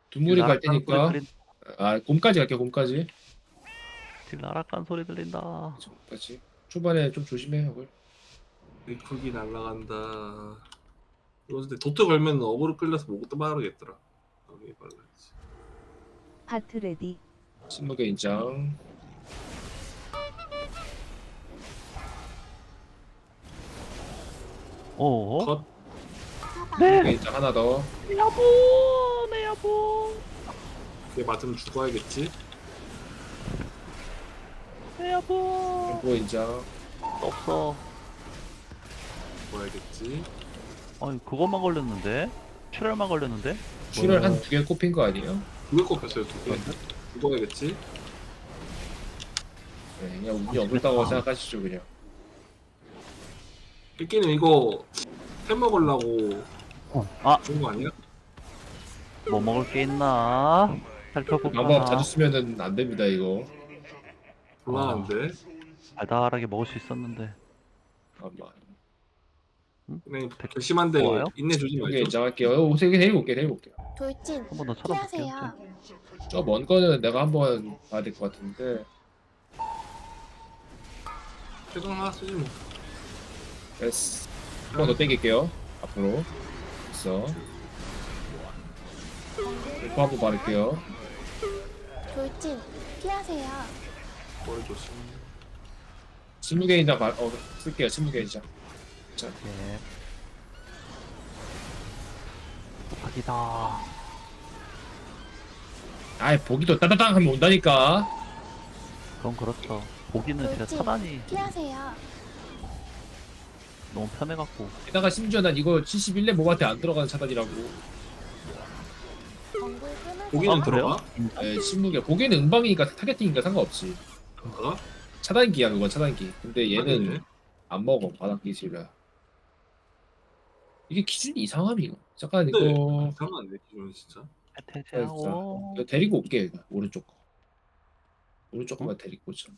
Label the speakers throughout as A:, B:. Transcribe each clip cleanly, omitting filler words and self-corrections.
A: 두물이 갈
B: 나락가는 소리
A: 테니까.
B: 들린.
A: 아, 곰까지 갈게요. 곰까지.
B: 지금 나락가는 소리 들린다.
A: 곰까지. 초반에 좀 조심해. 이걸.
C: 리프기 날라간다. 이거 근데 도트 걸면 어그로 끌려서 뭐부터 말하겠더라. 여기 말라야지.
D: 하트 레디.
A: 신무게 인장.
B: 어?
C: 컷.
A: 신무게 인장 하나 더.
B: 내 여보, 내 여보,
C: 얘 맞으면 죽어야겠지.
B: 내 여보.
A: 공포 인장.
B: 없어.
C: 죽어야겠지.
B: 아니 그것만 걸렸는데? 출혈만 걸렸는데?
A: 출혈 한 두 개 꼽힌 거 아니에요?
C: 두개 꼽혔어요. 두 개. 죽어야겠지.
A: 네, 그냥 운이 없다고 생각하시죠 그냥.
C: 끼끼는 이거 템 먹으려고
B: 아,
C: 좋은 거 아니야?
B: 뭐 먹을 게 있나? 살펴볼까?
A: 방법 자주 쓰면은 안 됩니다 이거.
C: 곤란한데.
B: 달달하게 먹을 수 있었는데.
A: 잠깐만.
C: 그냥 결심한데
B: 좋아요?
C: 인내 주지
A: 신무게
C: 말죠.
A: 인장 할게요. 세 개 데리고 올게 데리고 올게요.
E: 돌진
B: 한 번 더 찾아볼게요.
E: 피하세요.
A: 저 먼 거는 내가 한번 봐야 될 것 같은데.
C: 최종 하나 쓰지 뭐.
A: 됐어. 한 번 더 땡길게요. 앞으로. 됐어. 공포 한번 바를게요.
E: 돌진 피하세요.
C: 뭘 조심.
A: 신무게 인장 쓸게요. 신무게 인장.
B: 예. 부탁이다.
A: 아이 보기도 따다당 하면 온다니까.
B: 그건 그렇죠. 보기는 진짜
E: 돌진
B: 차단이
E: 피하세요.
B: 너무 편해갖고.
A: 게다가 심지어 난 이거 71렙 몹한테 안 들어가는 차단이라고.
E: 엉굴 끊으세요.
C: 보기는
B: 아, 그래요?
C: 들어가?
A: 에, 신무게 보기에는 응방이니까 타겟팅이니까 상관없이.
C: 들어가?
A: 차단기야 그건 차단기. 근데 얘는
C: 아니네.
A: 안 먹어 바닥 기술이라. 이게 기준이 이상함 이거. 잠깐
C: 근데
A: 이거
C: 이상한데 기존 진짜.
B: 해태제하고.
A: 이거 데리고 올게 이거. 오른쪽 거. 오른쪽 거만 데리고 오자.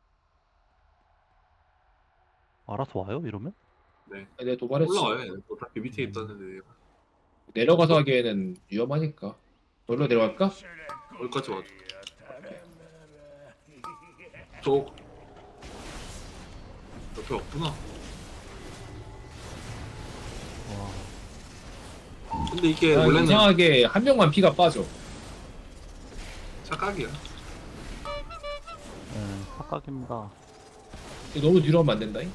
B: 알아서 와요? 이러면?
C: 네.
A: 내가 도발했지.
C: 올라와요. 어차피 밑에 있다는데
A: 내려가서 하기에는 위험하니까. 놀러 내려갈까?
C: 여기까지 와줘. 저 옆에 없구나.
B: 와.
C: 근데 이게
A: 아,
C: 원래는
A: 이상하게 한 명만 피가 빠져.
C: 착각이야.
B: 네, 착각입니다.
A: 이거 너무 뒤로 하면 안 된다잉.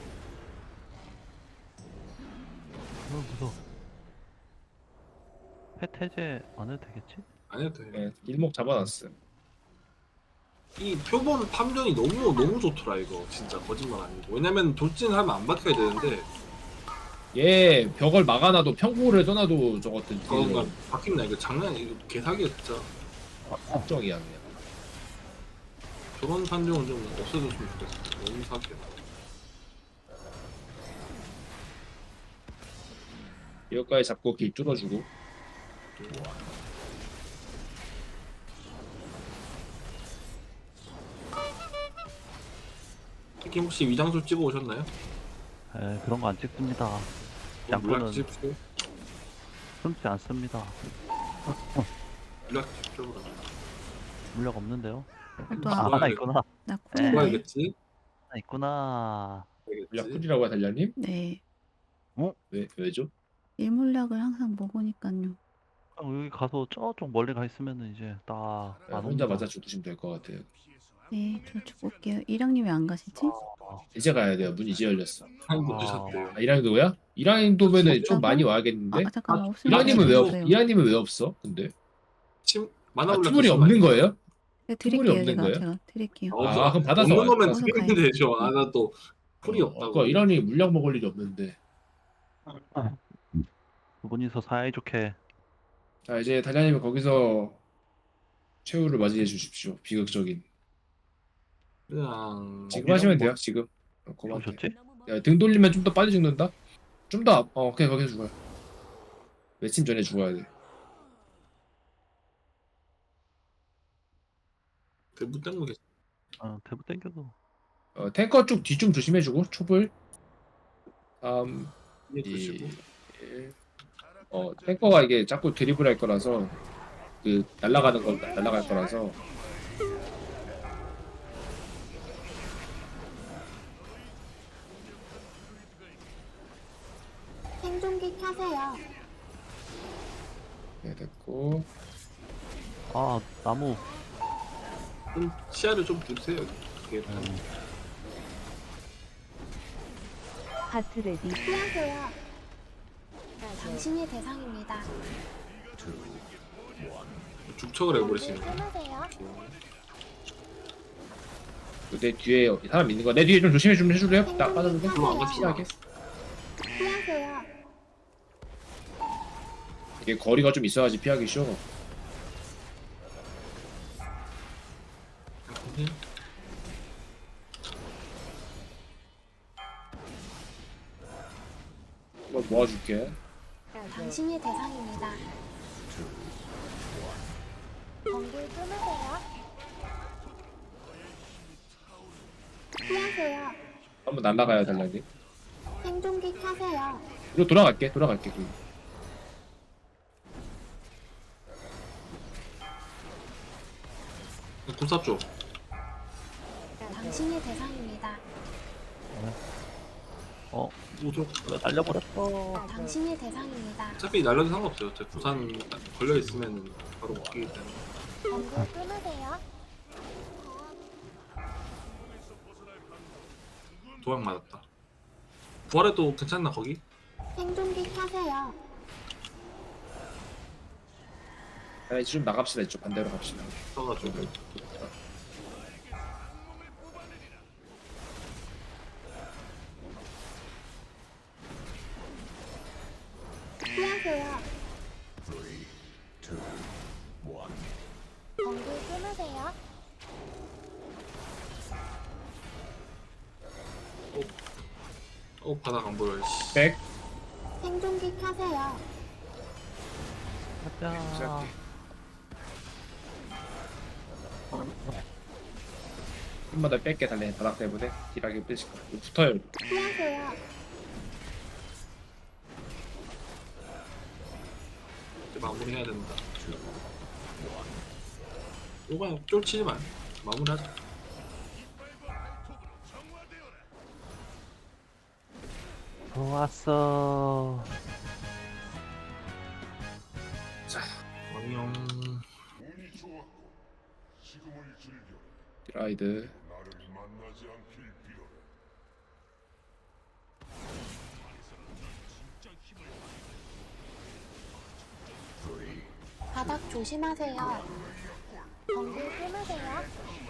B: 무서워. 해태제 안 해도 되겠지?
C: 안 해도 돼.
A: 네, 일목 잡아놨어.
C: 이 표본 탐정이 너무 좋더라 이거 진짜 거짓말 아니고. 왜냐면 돌진하면 안 박혀야 되는데
A: 얘 벽을 막아놔도 평고를 떠나도 저것들
C: 그거 박힌다 이거 장난 이거 개사기야 진짜.
A: 걱정이야 그냥.
C: 저런 탐정은 좀 없애줬으면 좋겠어. 너무 사기야.
A: 여기까지 잡고 길 뚫어주고.
C: 특히 혹시 위장술 찍어 오셨나요?
B: 에, 그런 거 안 찍습니다.
C: 물약
B: 양권은
C: 찍십시오.
B: 숨지 않습니다.
C: 물약 찍십시오 그러면.
B: 물력 없는데요?
D: 또
B: 아,
C: 좋아요.
B: 하나 있구나.
D: 나
B: 네.
D: 쿨이네.
C: 죽어야겠지?
B: 하나 있구나.
A: 물약
C: 알겠지?
A: 풀이라고 달려님?
D: 네.
A: 왜죠?
D: 일몰약을 항상 먹으니까요.
B: 여기 가서 저쪽 멀리 가 있으면은 이제 딱
A: 네,
B: 안
A: 혼자
B: 옵니다.
A: 맞아 죽으시면 될 것 같아요.
D: 네, 저 죽을게요. 이랑님 왜 안 가시지?
A: 이제 가야 돼요. 문 이제 열렸어.
C: 한국
B: 아.
C: 드셨대요.
A: 아, 이랑이 누구야? 이랑이 도면은 좀
D: 진짜요?
A: 많이 와야겠는데?
D: 아, 잠깐만.
C: 아,
D: 없으면
A: 이랑님은 왜
D: 없어요.
A: 이랑님은 왜 없어? 근데
C: 만화
A: 아,
C: 물약
A: 투물이
C: 드시면
A: 없는 거예요?
D: 네,
A: 투물이
D: 드릴게요.
A: 없는 거예요?
D: 제가 드릴게요.
A: 아, 그럼 받아서
C: 없는
A: 와요.
C: 거면
D: 어서
C: 드리면
D: 가요.
C: 되죠. 아, 나 또 풀이 없다고.
A: 아까 이랑이 물약 먹을 일이 없는데.
B: 두 분이서 사이좋게.
A: 자 이제 달려님은 거기서 최후를 맞이해 주십시오. 비극적인.
C: 그냥
A: 지금 하시면 돼요. 지금. 그만.
B: 보셨지?
A: 야, 등 돌리면 좀 더 빨리 죽는다? 좀 더, 오케이, 거기서 죽어요. 외침 전에 죽어야 돼.
C: 대부 땡거 계시.
B: 대부 땡겨도.
A: 탱커 쪽 뒤 좀 조심해주고, 촛불. 3,
C: 이해
A: 2,
C: 주시고.
A: 1. 탱커가 이게 자꾸 드리블 할 거라서. 그 날아가는 건 날아갈 거라서.
E: 생존기 켜세요.
A: 네, 됐고.
B: 아 나무.
C: 좀 시야를 좀 두세요. 그게
D: 하트레디.
E: 피하세요. 당신이 대상입니다.
C: 죽척을
E: 경계
C: 해버리시는 거.
E: 끊으세요.
A: 내 뒤에 사람 있는 거. 내 뒤에 좀 조심해 좀 해줄래요? 나 빠졌는데.
C: 그럼 안 갔지.
A: 피하게.
E: 피하세요.
A: 이게 거리가 좀 있어야지 피하기 쉬워. 한번 모아줄게.
E: 당신이 대상입니다. 경계 끊으세요. 피하세요.
A: 한번 날아가야 달라니.
E: 생존기 켜세요.
A: 이거 돌아갈게. 그.
C: 군사 쪽.
E: 당신이 대상입니다.
B: 어
C: 우쪽.
B: 날려버렸어.
E: 당신이 대상입니다.
C: 어차피 날려도 상관없어요. 저 부산 걸려 있으면 바로 먹기기 때문에.
E: 경계 끊으세요.
C: 도약 맞았다. 부활해도 괜찮나 거기?
E: 생존기 켜세요.
A: 자, 이제 좀 나갑시다. 이쪽 반대로 갑시다.
C: 써가지고.
E: 피하세요. 경계 끊으세요.
C: 바닥 안 보여. 씨.
A: 백.
E: 생존기 켜세요.
B: 가자.
A: 한번 더 뺄게 달래. 바닥 때문에 딜하게 빼실 거야. 이거 붙어요.
E: 피하세요.
C: 이제 마무리해야 된다. 이거 쫄치지 마. 마무리하자.
B: 좋았어.
C: 왕영.
A: 라이드.
E: 바닥 조심하세요. 경계 끊으세요.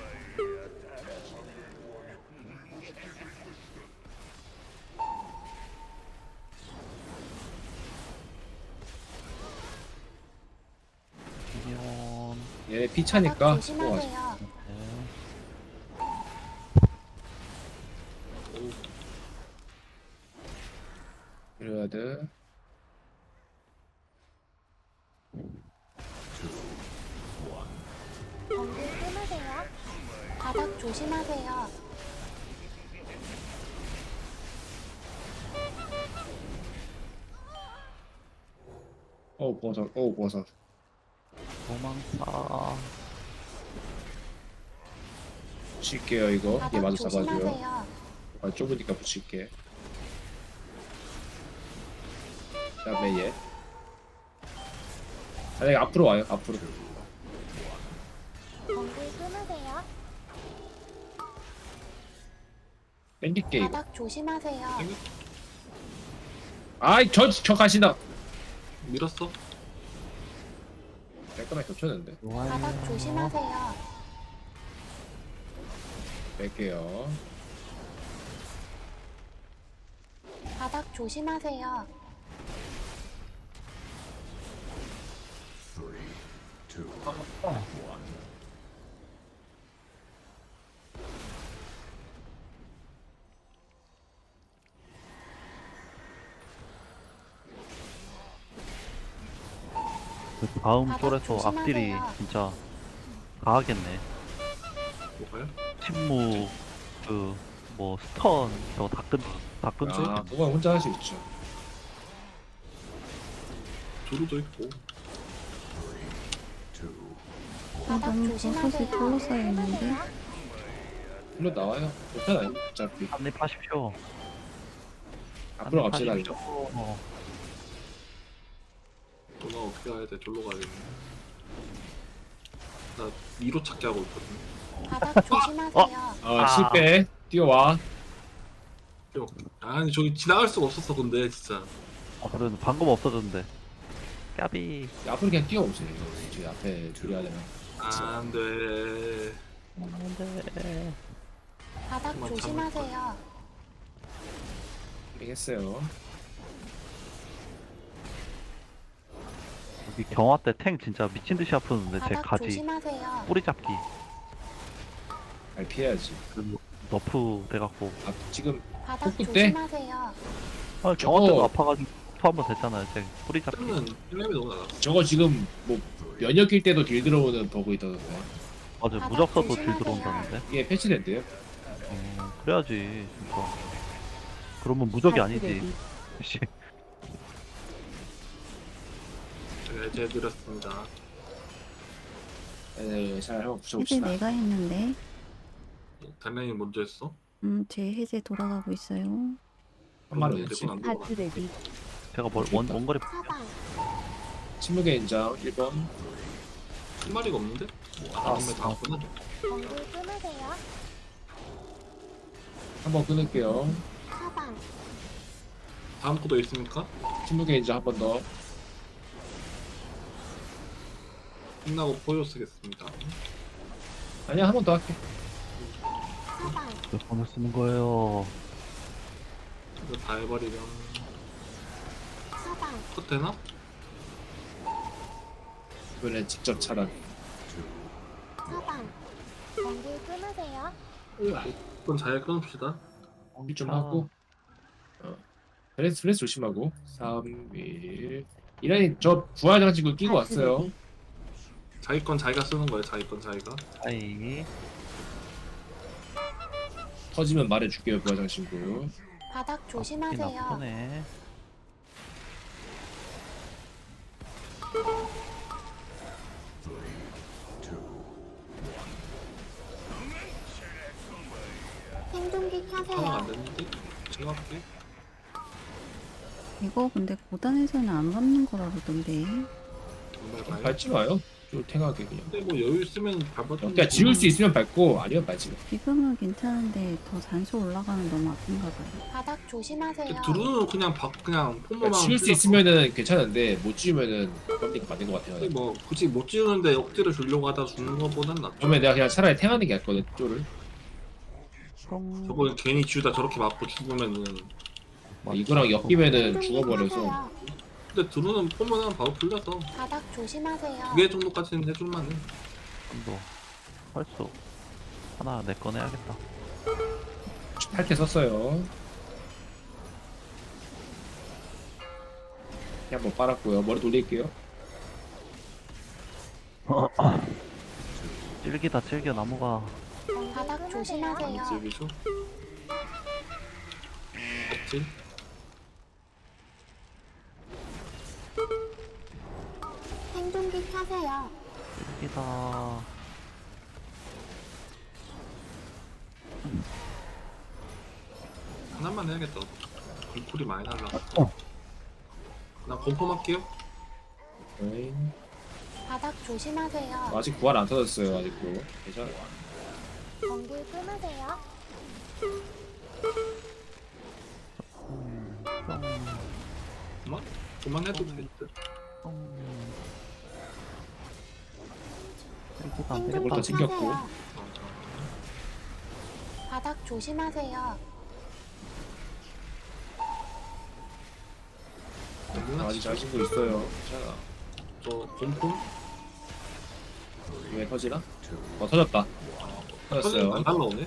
B: 미니언.
A: 얘네
E: 바닥
A: 피차니까. 또
E: 조심하세요.
B: 네.
A: 이래야 돼.
E: 경계 끊으세요. 바닥 조심하세요.
A: 버섯.
B: 도망사.
A: 붙일게요, 이거. 얘
E: 바닥
A: 마저 잡아줘요.
E: 조심하세요.
A: 아, 좁으니까 붙일게. 그 다음에 얘. 아니, 앞으로 와요, 앞으로.
E: 경계 끊으세요.
A: 땡길게, 이거.
E: 바닥 조심하세요.
A: 아이, 저 가시나.
C: 밀었어?
A: 깔끔하게 겹쳤는데.
E: 바닥 조심하세요.
A: 뺄게요.
E: 바닥 조심하세요.
B: 그 다음
E: 바닥
B: 쫄에서
E: 조심하세요.
B: 앞딜이 진짜 가하겠네.
C: 뭐가요?
B: 침묵 그 뭐 스턴 저거 다 끈데.
A: 아, 그건 혼자 할 수 있죠.
C: 조루도 있고.
E: 바닥
D: 너무 버섯이
E: 조심하세요.
D: 둘러싸여 있는데?
A: 일로 나와요. 괜찮아요. 어차피
B: 한입하십시오.
A: 앞으로 갑시다.
B: 한입하십시오.
A: 이제.
C: 누나 어떻게 가야 돼? 졸로 가야겠네. 나 위로 찾기 하고 있거든.
E: 바닥 조심하세요.
A: 아 실패. 뛰어와.
C: 아니 저기 지나갈 수가 없었어 근데 진짜.
B: 그래도 방금 없어졌는데. 까비.
A: 앞으로 그냥 뛰어오세요. 저 앞에 줄여야 되면.
C: 안돼.
B: 안돼.
E: 바닥
C: 정말
E: 조심하세요.
A: 되겠어요.
B: 여기 경화 때 탱 진짜 미친 듯이 아프는데 제
E: 바닥
B: 가지
E: 조심하세요.
B: 뿌리 잡기.
A: 잘 피해야지.
B: 그 너프 돼갖고.
A: 아 지금
E: 바닥
A: 폭구 때?
E: 조심하세요.
B: 경화 때도
A: 저거-
B: 아파가지고 너프 한번 됐잖아요. 제 뿌리 잡기.
C: 는 1렙이 너무 낮았어.
A: 저거 지금 뭐 면역일 때도 딜 들어오는 버그 있다던데.
B: 맞아
E: 바닥
B: 무적 써도 딜
E: 조심하세요.
B: 들어온다는데.
A: 이게 패치된대요.
B: 그래야지 진짜. 그러면 무적이 아니지. 씨.
C: 제가 해제해드렸습니다.
A: 네, 잘 한번
D: 해제
A: 붙여봅시다.
D: 내가 했는데
C: 단련이 먼저 했어?
D: 제 해제 돌아가고 있어요.
A: 한 마리 어딨지?
C: 안 들어가.
D: 레디.
B: 제가 원거리
E: 사방.
A: 침묵의 인장 1번.
C: 한 마리가 없는데? 아, 다음에 다 왔구나.
E: 번개 끊으세요.
A: 한번 끊을게요.
E: 사방.
C: 다음 거도 있습니까?
A: 침묵의 인장 한 번 더.
C: 끝나고 포효 쓰겠습니다.
A: 아니야 한 번 더 할게.
E: 사방.
B: 몇 번을 쓰는 거예요.
C: 이거 다 해버리면
E: 사방.
C: 컷 되나?
A: 이번엔 직접 차단.
E: 사방. 번개 끊으세요.
C: 그럼 잘 끊읍시다.
A: 좀 하고. 스트레스 조심하고. 3, 1. 이란이 저 부활 장치구 끼고 왔어요.
C: 자기 건 자기가 쓰는 거예요. 자기 건 자기가.
B: 아이.
A: 터지면 말해줄게요 부활 장치구.
E: 바닥 조심하세요.
B: 나쁘네.
E: 생존기
C: 하면
E: 켜세요.
C: 안 되는데? 제가 할게.
D: 이거 근데 고단에서는 안 밟는 거라 그러던데.
C: 정말 봐요.
A: 밟지 마요. 좀 탱하게 그냥.
C: 근데 뭐 여유 있으면 밟아도
A: 그러니까 지울 수 있으면 밟고 아니면 밟지 마.
D: 지금은 괜찮은데 더 단수 올라가면 너무 아픈가 봐요.
E: 바닥 조심하세요.
C: 드루는 그냥 그냥 폼만
A: 그러니까 지울 수 있으면은 괜찮은데 못 지우면은 깜짝 맞는 것 같아요.
C: 뭐 굳이 못 지우는데 억지로 주려고 하다 주는 것보단 낫죠.
A: 그러면 내가 그냥 차라리 탱하는 게 낫거든 쪼를.
C: 저거 괜히 지우다 저렇게 맞고 죽으면은.
A: 이거랑 엮이면은
E: 생존기
A: 죽어버려서.
E: 켜세요.
C: 근데 드루는 폼만 하면 바로 풀려서
E: 바닥 조심하세요.
C: 2개 정도까지는 해줄만해.
B: 좀더 펄수 하나 내 꺼내야겠다.
A: 8개 썼어요. 한번 빨았고요. 머리 돌릴게요.
B: 찔기다 찔겨 나무가.
E: 바닥
C: 안
E: 조심하세요.
C: 지우기죠? 없지?
E: 생존기 켜세요.
B: 찔기다.
C: 하나만 해야겠다. 불쿨이 많이 날라. 나 건펌할게요.
A: 네.
E: 바닥 조심하세요.
A: 아직 부활 안 터졌어요. 아직도. 괜찮아.
E: 번개 끊으세요.
C: 그만? 그만해도 될 듯.
B: 찔기다 안
E: 생존기
B: 되겠다.
A: 또 챙겼고.
E: 켜세요. 바닥 조심하세요.
A: 아직 잘 신고 있어요. 괜찮아.
C: 저 곰폼?
A: 왜 터지나? 터졌다. 터졌어요.
C: 안 날라오네?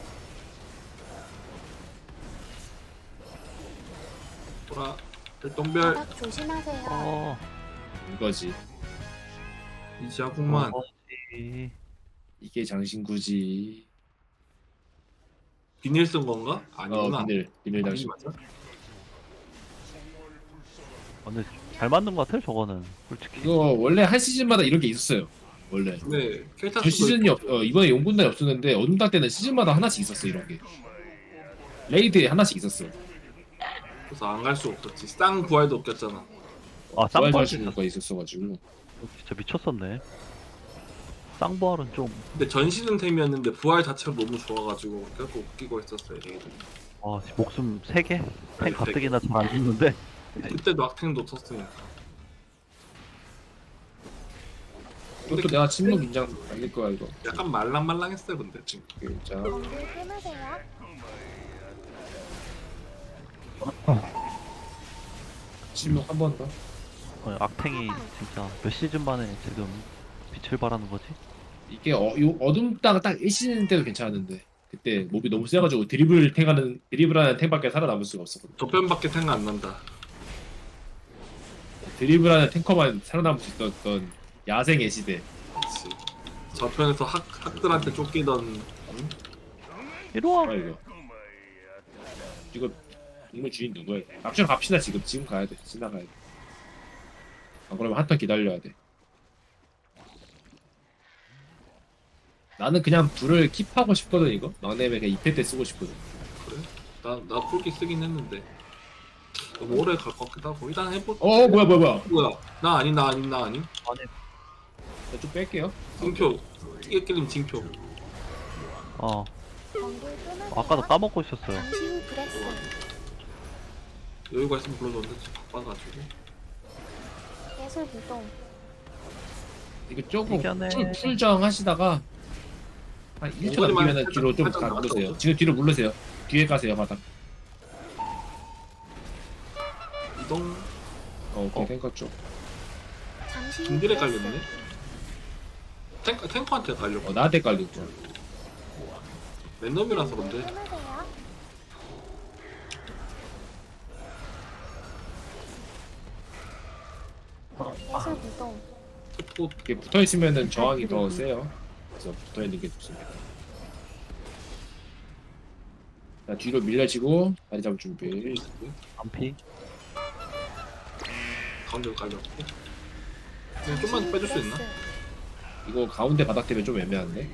C: 돌아. 일동별
E: 바닥 조심하세요.
A: 이거지.
C: 이지하구만.
B: 어지.
A: 이게 장신구지.
C: 비닐 쓴 건가? 아니구나.
A: 비닐 장신.
C: 맞아?
B: 근데 잘 맞는 것 같아요 저거는 솔직히.
A: 이거 원래 한 시즌마다 이런 게 있었어요. 원래.
C: 근데 켈타스도
A: 전 시즌이 이번에 용군단이 없었는데 어둠달 때는 시즌마다 하나씩 있었어 이런 게. 레이드에 하나씩 있었어.
C: 그래서 안 갈 수 없었지. 쌍 부활도 없겼잖아.
B: 아,
A: 부활
B: 쌍부활
A: 자주가 있었어가지고.
B: 진짜 미쳤었네. 쌍부활은 좀,
C: 근데 전 시즌 템이었는데 부활 자체가 너무 좋아가지고 결국 웃기고 있었어요. 레이드.
B: 목숨 3개?
C: 아니,
B: 탱 가뜩이나 잘 안 죽는데.
C: 그때도 악탱도 쳤으니까.
A: 이것도 내가 침묵 인장 날릴 거야 이거.
C: 약간 말랑말랑했어요 근데 지금.
A: 자,
E: 번개 끊으세요.
A: 침묵 한 번 더.
B: 악탱이 진짜 몇 시즌 만에 지금 빛을 발하는 거지?
A: 이게 요 어둠 땅 딱 1시즌 때도 괜찮았는데 그때 몹이 너무 세가지고 드리블하는 탱밖에 살아남을 수가 없었거든.
C: 저편밖에 생각 안 난다.
A: 드리블하는 탱커만 살아남을 수 있었던 야생의 시대.
C: 그렇지. 저편에서 학들한테 쫓기던
B: 이리와!
A: 뭐야 이거? 이거 인물 주인 누구야? 앞으로 갑시다 지금 가야 돼. 지나가야 돼. 안 그러면 한 턴 기다려야 돼. 나는 그냥 불을 킵하고 싶거든 이거. 막내면 그냥 2패 때 쓰고 싶거든.
C: 그래? 나 풀기 쓰긴 했는데 너무 오래 갈 것 같기도 하고 일단 해보.
A: 뭐야.
C: 뭐야? 나 아니.
B: 아니,
A: 좀 뺄게요.
C: 징표. 띠게끼림 징표.
B: 어.
E: 번개 끊으세요.
B: 아까도 까먹고 있었어요.
E: 잠시 후 브레스.
C: 여유가 있으면 불러줬는데 지금 바빠가지고.
E: 계속 이동.
A: 이거 조금
B: 이겨내.
A: 풀정 하시다가 한 1초
C: 오버리만
A: 남기면 뒤로 좀
C: 살짝
A: 가
C: 나갔다
A: 물르세요.
C: 오죠?
A: 지금 뒤로 물르세요. 뒤에 가세요 바닥.
C: 이동.
A: 오케이 탱커 쪽.
E: 잠시 후
C: 중딜에
E: 브레스.
C: 깔렸네. 탱커한테 깔렸고.
A: 나한테 깔리고.
C: 랜덤이라서
E: 번개
C: 근데
E: 끊으세요. 계속 이동.
C: 특보
A: 이게 붙어 있으면은 저항이 더 세요. 그래서 붙어 있는 게 좋습니다. 자 뒤로 밀려지고 다리 잡을 준비.
B: 안피?
C: 가운데로 깔렸고. 그냥 좀만 빼줄 수 있나?
A: 이거 가운데 바닥 때문에 좀 애매한데.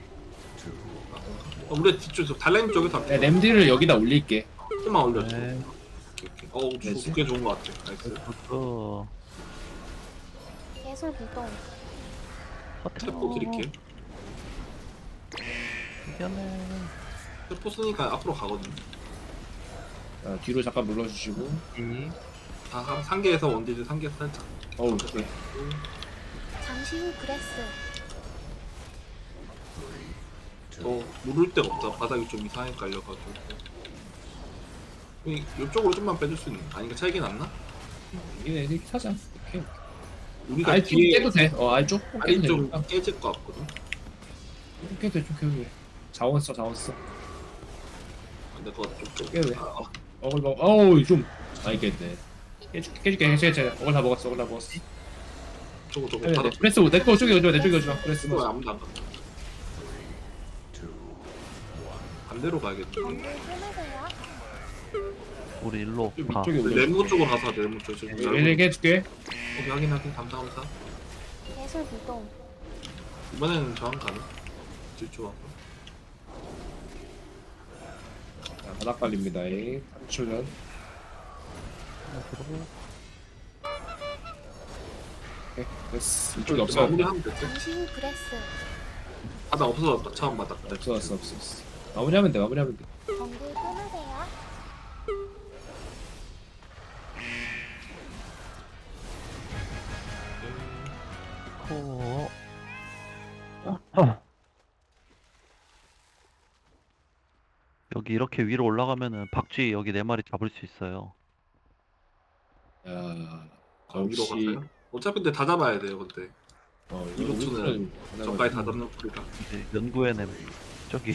C: 우리 뒤쪽 달라임 쪽에서
A: 네, 램디를 여기다 올릴게.
C: 조금만 올려줘.
B: 네.
C: 오케이. 두께 좋은 것 같아. 나이스.
B: 그,
E: 계속 이동.
C: 세포 드릴게.
B: 이겨내.
C: 세포 쓰니까 앞으로 가거든.
A: 자, 뒤로 잠깐 물러주시고.
C: 한 상계에서 원딜 상계 살짝.
A: 오케이.
E: 잠시 후 브레스.
C: 누를 데가 없다. 바닥이 좀 이상하게 깔려가지고. 이쪽으로 좀만 빼줄 수 있는. 아니, 차이가 났나?
A: 이게 이렇게 사자. 오케이.
C: 우리가
A: 아예 좀
C: 뒤에
A: 깨도 돼. 아예 조금
C: 아니
A: 깨도
C: 좀
A: 돼.
C: 깨질 것 같거든.
A: 좀 깨도 돼. 좀 깨도 돼. 자원 써.
C: 근데 그거 좀
A: 깨도 돼. 어글 먹. 어우 좀. 알겠네. 깨줄게. 어글 다 먹었어.
C: 저거
A: 해야 돼.
C: 바닥
A: 프레스 내거 쪽에 오지 마. 내 쪽에 오지 마. 프레스
C: 그거
A: 마.
C: 아무도 안 간다. 반대로 가야겠네.
E: 번개 끊으세요.
B: 우리 일로
A: 좀
B: 가.
A: 이쪽에 오지.
C: 네모 쪽으로 가서 네모 쪽.
A: 얘네 해줄게.
C: 오케이, 확인. 감사합니다.
E: 계속 이동.
C: 이번에는 저항 가능. 질주하고.
A: 자, 바닥 발립니다. 3초 전. 오케이. 됐어. 이쪽에 없어.
C: 마무리하면 됐지.
E: 잠시 후 브레스.
C: 바닥 없어졌다. 처음 바닥.
A: 없어. 마무리하면 돼.
E: 번개 끊으세요.
B: 코. 여기 이렇게 위로 올라가면은 박쥐 여기 4마리 잡을 수 있어요.
A: 야,
C: 위로
A: 역시
C: 가세요. 어차피 근데 다 잡아야 돼요. 근데
A: 이거
C: 이것은 저까지 다 잡는 풀이라
B: 이제 연구해냄 저기.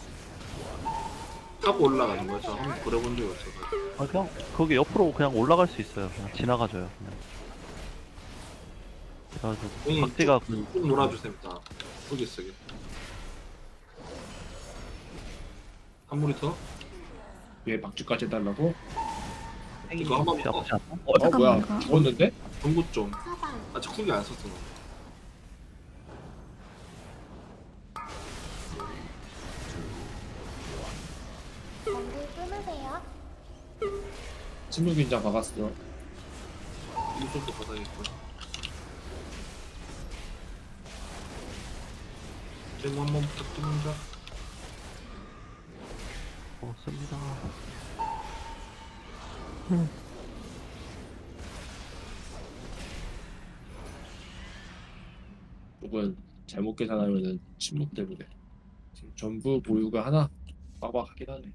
C: 타고 올라가는 거야. 저 한번 그려본 적이 없어서.
B: 그냥 거기 옆으로 그냥 올라갈 수 있어요. 그냥 지나가줘요. 그냥. 그래가지고 박쥐가
C: 쭉 놀아주세요. 다 속이 쓰게. 한 무리 더.
A: 위에 박쥐까지 해달라고?
C: 이거 한번
B: 혹시 아프지 않나?
A: 뭐야?
D: 잠깐만, 이거.
A: 죽었는데?
C: 동구 좀.
E: 사방.
C: 아직 후기 안 썼어.
E: 끊으세요.
A: 침묵인장 박았어.
C: 이쪽도 받아야겠고. 제모 한번 부탁드립니다.
B: 씁니다.
A: 혹은 잘못 계산하면은 침묵 때문에 지금 전부 보유가 하나 빡빡하긴 하네.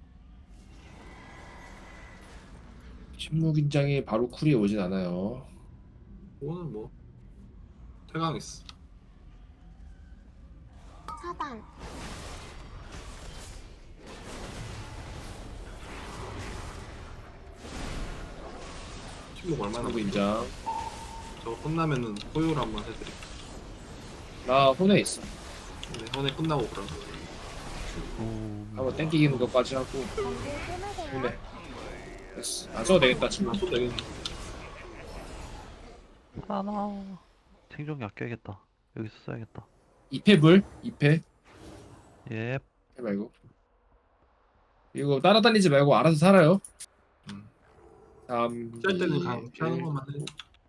A: 침묵인장이 바로 쿨이 오진 않아요.
C: 오늘 뭐 태강했어.
E: 차단.
C: 침묵 얼마나
A: 침묵인장
C: 저거 끝나면은 호요를 한번 해드릴게요.
A: 나 혼에 있어.
C: 네, 현에 끝나고 그럼.
A: 한번 땡기기는 것까지 하고
E: 경고 끊으세요.
A: 혼에 됐어. 안 써도 되겠다 침묵.
C: 또 되겠네.
B: 하나. 생존기 아껴야겠다. 여기서 써야겠다.
A: 2패 불 2패
B: 예.
A: 해 말고 이거 따라다니지 말고 알아서 살아요. 3,
C: 짤 때는
A: 2,
C: 그냥 피하는 것만 해.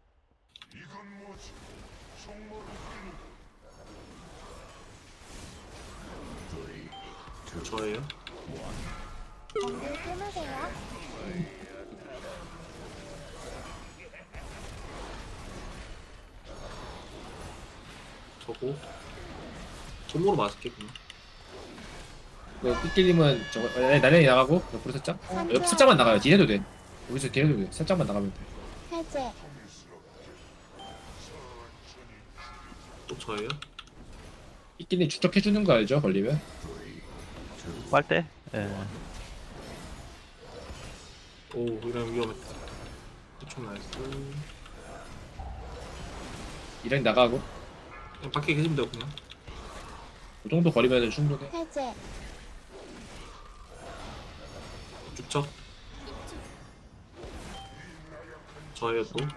C: 저예요.
E: 경고 끊으세요.
C: 저거 손모로 맞을게 그냥.
A: 그 삐끼님은 저거 나련히 나가고 옆으로 살짝 옆 살짝만 나가요. 뒤에도 돼. 여기서 뒤에도 돼. 살짝만 나가면 돼.
E: 해제.
C: 또 저예요.
A: 삐끼님 추적해주는 거 알죠? 걸리면
B: 빨대? 예.
C: 오 이러면 위험했다. 대충 나이스.
A: 이랑 나가고
C: 그냥 밖에 계시면 돼요 그냥.
A: 그 정도 거리면 충분해.
E: 해제.
C: 죽죠. 저예요 또.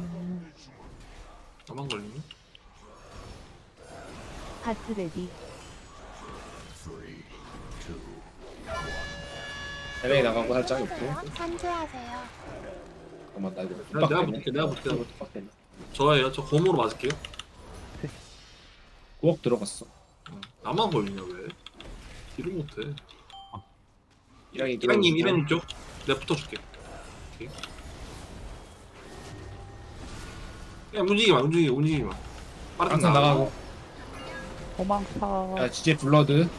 C: 나만 걸리니?
F: 하트 레디.
A: 나련히 나가고 살짝 옆으로.
E: 끊으세요. 산조하세요.
A: 잠깐만 나 이거
C: 내가 볼게, 내가 볼게.
A: 빡대.
C: 저예요. 저 곰으로 맞을게요.
A: 9억 들어갔어.
C: 나만 걸리냐 왜? 딜을 못해.
A: 이랑이
C: 이랑님 이랑님 쪽. 내가 붙어줄게. 오케이. 야 움직이지 마 움직이지 마. 빠르게
A: 항상 나가고.
B: 도망쳐.
A: 야 지제 블러드.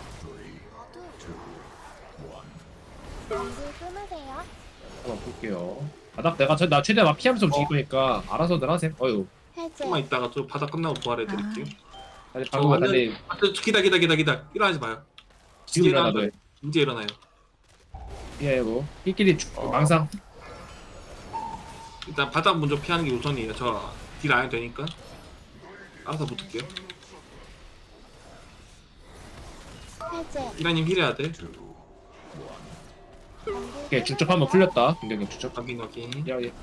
E: 경고 끊으세요.
A: 한번 볼게요. 바닥 나 최대한 막 피하면서 움직일 거니까 알아서들 하세요. 어휴.
E: 해제.
C: 조금만 있다가 저 바닥 끝나고 부활해 드릴게요.
A: 다시 방금
C: 완전-
A: 달리
C: 아, 기다. 일어나지 마요.
A: 지금 일어나도
C: 이제 일어나요.
A: 피하고 끼끼리 망상.
C: 일단 바닥 먼저 피하는 게 우선이에요. 저 딜 안 해도 되니까. 알아서 붙을게요.
E: 해제.
C: 이라님 힐해야 돼.
E: 경고
A: 오케이 중첩 한번 풀렸다. 공격력 중첩.
C: 확인.
A: 야 예.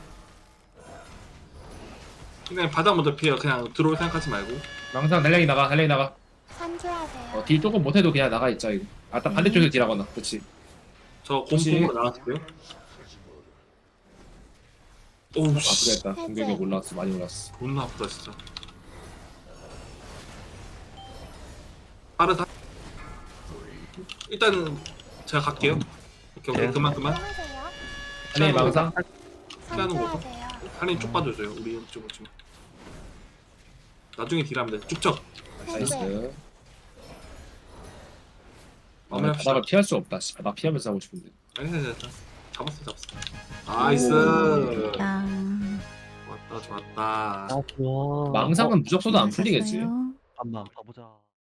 C: 그냥 바닥 먼저 피해요. 그냥 들어올 생각하지 말고.
A: 망상 달량이 나가.
E: 산조하세요.
A: 딜 조금 못해도 그냥 나가 있자 이거. 아딱 반대쪽에서 딜하거나. 그렇지.
C: 저
A: 혹시-
C: 곰풍으로 나왔을게요. 오우 씨.
A: 아프겠다. 공격력 올라왔어. 많이 올랐어.
C: 존나 아프다 진짜. 빠르다. 일단은 제가 갈게요. 오케이. 그만.
E: 끊으세요.
A: 달량이 망상.
C: 피하는 거죠?
E: 산조하세요.
C: 할인 쭉 빠져줘요. 우리 좀. 나중에 딜하면 돼. 쭉쳐.
A: 나이스.
C: 마무리합시다.
A: 바닥을 피할 수 없다. 씨. 바닥 피하면서 하고 싶은데.
C: 아니, 잡았어. 나이스.
D: 땅.
C: 좋았다.
B: 좋아.
A: 망상은 무적소도 안 풀리겠지.
D: 샀어요.
B: 잠깐만 가보자.